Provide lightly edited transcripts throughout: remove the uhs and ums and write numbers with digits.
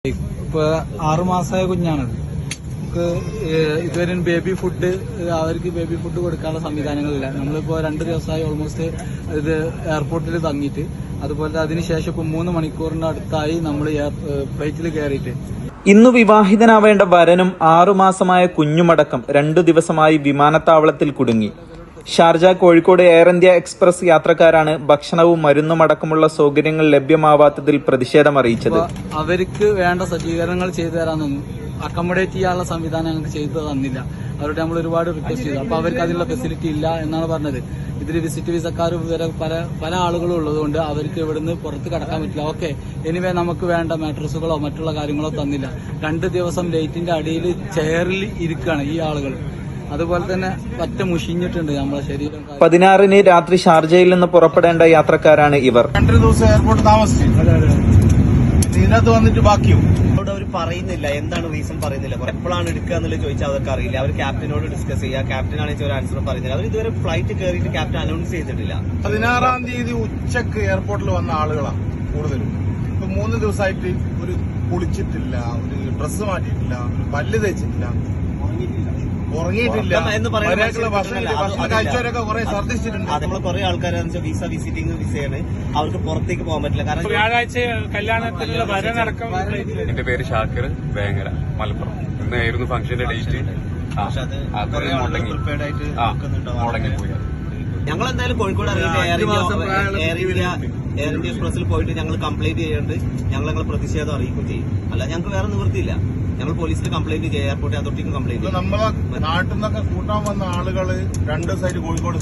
ഇപ്പൊ 6 മാസമായ കുഞ്ഞാണത്. നമുക്ക് ഇതുവരെ ബേബി ഫുഡ് അവർക്ക് ബേബി ഫുഡ് കൊടുക്കാനുള്ള സംവിധാനങ്ങളില്ല. നമ്മളിപ്പോ 2 ദിവസമായി ഓൾമോസ്റ്റ് ഇത് എയർപോർട്ടിൽ തങ്ങിയിട്ട്, അതുപോലെ അതിനുശേഷം ഇപ്പൊ 3 മണിക്കൂറിന്റെ അടുത്തായി നമ്മൾ ഫ്ലൈറ്റിൽ കയറിയിട്ട്. ഇന്ന് വിവാഹിതനാവേണ്ട വരനും 6 മാസമായ കുഞ്ഞുമടക്കം 2 ദിവസമായി വിമാനത്താവളത്തിൽ കുടുങ്ങി. Sharjah Kozhikode Air India Express യാത്രക്കാരാണ് ഭക്ഷണവും മരുന്നും അടക്കമുള്ള സൗകര്യങ്ങൾ ലഭ്യമാവാത്തതിൽ പ്രതിഷേധം അറിയിച്ചത്. അവർക്ക് വേണ്ട സജ്ജീകരണങ്ങൾ ചെയ്തു തരാനൊന്നും, അക്കോമഡേറ്റ് ചെയ്യാനുള്ള സംവിധാനം ഞങ്ങൾക്ക് ചെയ്തു തന്നില്ല. അവരോട് നമ്മൾ ഒരുപാട് റിക്വസ്റ്റ് ചെയ്തു. അപ്പൊ അവർക്ക് അതിനുള്ള ഫെസിലിറ്റി ഇല്ല എന്നാണ് പറഞ്ഞത്. ഇതിൽ വിസിറ്റ് വിസക്കാർ വരെ പല ആളുകളും ഉള്ളതുകൊണ്ട് അവർക്ക് ഇവിടുന്ന് പുറത്ത് കടക്കാൻ പറ്റില്ല. ഓക്കെ, എനിവേ നമുക്ക് വേണ്ട മാട്രസുകളോ മറ്റുള്ള കാര്യങ്ങളോ തന്നില്ല. 2 ദിവസം ലൈറ്റിന്റെ അടിയിൽ ചെയറിൽ ഇരിക്കുകയാണ് ഈ ആളുകൾ. അതുപോലെ തന്നെ പറ്റ മുഷിഞ്ഞിട്ടുണ്ട് നമ്മളെ ശരീരം. 16-ന് രാത്രി ഷാർജയിൽ നിന്ന് പുറപ്പെടേണ്ട യാത്രക്കാരാണ് ഇവർ. 2 ദിവസം എയർപോർട്ട് താമസിച്ചു. ഇതിനകത്ത് വന്നിട്ട് ബാക്കിയും അവർ പറയുന്നില്ല, എന്താണ് റീസൺ പറയുന്നില്ല. എപ്പോഴാണ് എടുക്കുക എന്നുള്ളത് ചോദിച്ചാൽ അവർക്ക് അറിയില്ല. അവർ ക്യാപ്റ്റനോട് ഡിസ്കസ് ചെയ്യുക. ക്യാപ്റ്റനാണെങ്കിൽ ഒരു ആൻസർ പറയുന്നില്ല. അവർ ഇതുവരെ ഫ്ലൈറ്റ് കയറിയിട്ട് ക്യാപ്റ്റൻ അനൗൺസ് ചെയ്തിട്ടില്ല. 16-ാം തീയതി ഉച്ചക്ക് എയർപോർട്ടിൽ വന്ന ആളുകളാണ് കൂടുതലും. ഇപ്പൊ 3 ദിവസമായിട്ട് ഒരു കുളിച്ചിട്ടില്ല, ഒരു ഡ്രസ്സ് മാറ്റിയിട്ടില്ല, പല്ല് തേച്ചിട്ടില്ല, ഉറങ്ങിയിട്ടില്ല എന്ന് ഭക്ഷണം കഴിച്ചവരൊക്കെ കുറെ ഛർദ്ദിച്ചിട്ടുണ്ട്. നമ്മൾ കുറെ ആൾക്കാരെന്ന് വെച്ചാൽ വിസ വിസിറ്റിംഗ് വിസയാണ്, അവർക്ക് പുറത്തേക്ക് പോകാൻ പറ്റില്ല. കാരണം വ്യാഴാഴ്ച കല്യാണത്തിലുള്ള വരനടക്കം. എന്റെ പേര് ഷാക്കിർ, വേങ്ങര, മലപ്പുറം. ഇന്നായിരുന്നു ഫംഗ്ഷന്റെ ഡേറ്റ്. പ്രിപ്പയർഡ് ആയിട്ട് മുടങ്ങിപ്പോയി. ഞങ്ങൾ എന്തായാലും കോഴിക്കോട് എയർ ഇന്ത്യ എക്സ്പ്രസിൽ പോയിട്ട് ഞങ്ങൾ കംപ്ലൈന്റ് ചെയ്യുന്നുണ്ട്. ഞങ്ങൾ പ്രതിഷേധം അറിയിക്കുകയും ചെയ്യും. അല്ല, ഞങ്ങൾക്ക് വേറെ നിവൃത്തിയില്ല. ഞങ്ങൾ പോലീസിൽ കംപ്ലൈന്റ് ചെയ്യാം, എയർപോർട്ട് അതോറിറ്റിക്ക് കംപ്ലൈന്റ് ചെയ്യും. നമ്മളെ നാട്ടിൽ നിന്നൊക്കെ കൂട്ടാൻ വന്ന ആളുകള് 2 ദിവസമായിട്ട് കോഴിക്കോട്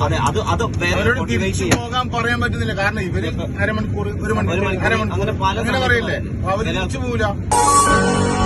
പോകാൻ പറയാൻ പറ്റുന്നില്ല. കാരണം ഇവര് അരമണിക്കൂർ 1 മണിക്കൂർ അങ്ങനെ പറയില്ലേ, അവര് തിരിച്ചു പോവില്ല.